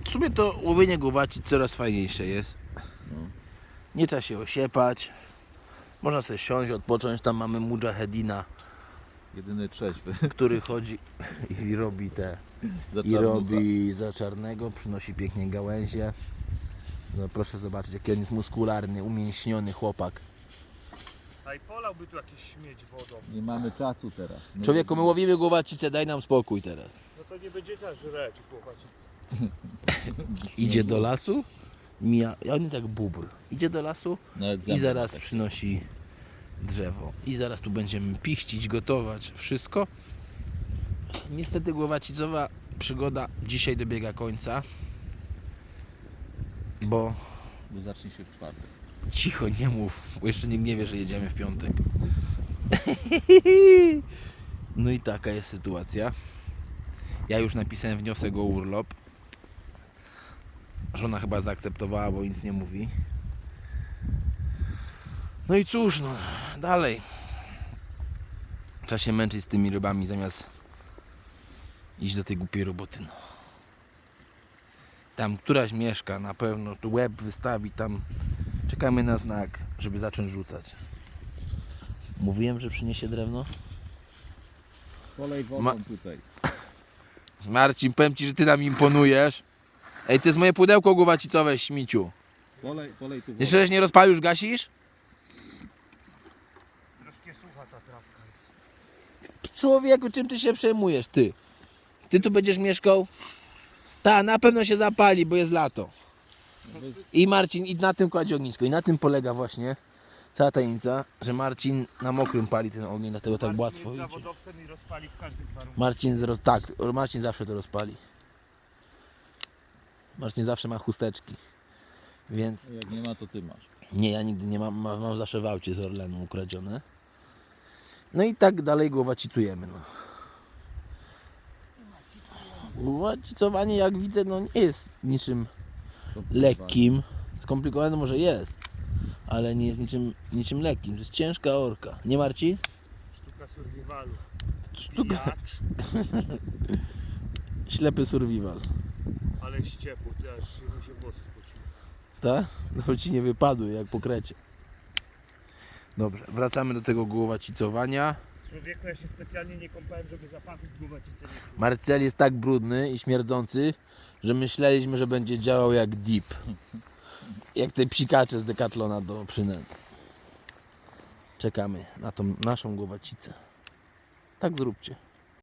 W sumie to łowienie głowacic coraz fajniejsze jest. Nie trzeba się osiepać. Można sobie siąść, odpocząć. Tam mamy mujahedina, Jedyny trzeźwy. który chodzi i robi te... Za I czarnucha. robi za czarnego, przynosi pięknie gałęzie. No, proszę zobaczyć, jaki on jest muskularny, umięśniony chłopak. A i polałby tu jakiś śmieć wodą. Nie mamy czasu teraz. Człowieku, my łowimy głowacicę, daj nam spokój teraz. No to nie będzie też żreć chłopaci. Idzie do lasu, mija, on jest jak bóbr. Idzie do lasu Nawet i zęby zaraz tak. przynosi drzewo. I zaraz tu będziemy pichcić, gotować, wszystko. Niestety głowacicowa przygoda dzisiaj dobiega końca, bo Bo zacznie się w czwartek. cicho, nie mów, bo jeszcze nikt nie wie, że jedziemy w piątek. No i taka jest sytuacja. Ja już napisałem wniosek o urlop. Żona chyba zaakceptowała, bo nic nie mówi. No i cóż, no dalej. Trzeba się męczyć z tymi rybami zamiast iść do tej głupiej roboty. No. Tam któraś mieszka, na pewno tu łeb wystawi, tam czekamy na znak, żeby zacząć rzucać. Mówiłem, że przyniesie drewno? Polej wodą Ma- tutaj. Marcin, powiem Ci, że Ty nam imponujesz. Ej, to jest moje pudełko głowacicowe, śmiciu. Polej tu wodą. Jeszcze nie rozpalisz, gasisz? Troszkę sucha ta trawka jest. Człowieku, czym Ty się przejmujesz, Ty? Ty tu będziesz mieszkał? Ta, na pewno się zapali, bo jest lato. I Marcin, i na tym kładzie ognisko. I na tym polega właśnie cała tajemnica, że Marcin na mokrym pali ten ogień, dlatego tak łatwo jest idzie. zawodowcem i rozpali w każdych warunkach. Marcin zawsze to rozpali. Marcin zawsze ma chusteczki. Więc Jak nie ma, to ty masz. nie, ja nigdy nie mam zawsze w aucie z Orlenu ukradzione. No i tak dalej głowacicujemy, no. Głowacicowanie, jak widzę, no nie jest niczym lekkim. Skomplikowane może jest, ale nie jest niczym lekkim. To jest ciężka orka. Nie, Marcin? Sztuka survivalu. Sztuka. Pijacz, Ślepy survival. ale ściepł, ty aż mi się włosy spociły. Tak? No ci nie wypadły jak po krecie. Dobrze, wracamy do tego głowacicowania. Człowieku, ja się specjalnie nie kąpałem, żeby zapachów głowacicy nie czuł. Marcel jest tak brudny i śmierdzący, że myśleliśmy, że będzie działał jak dip. Jak te psikacze z Decathlona do przynęt. Czekamy na tą naszą głowacicę. Tak zróbcie.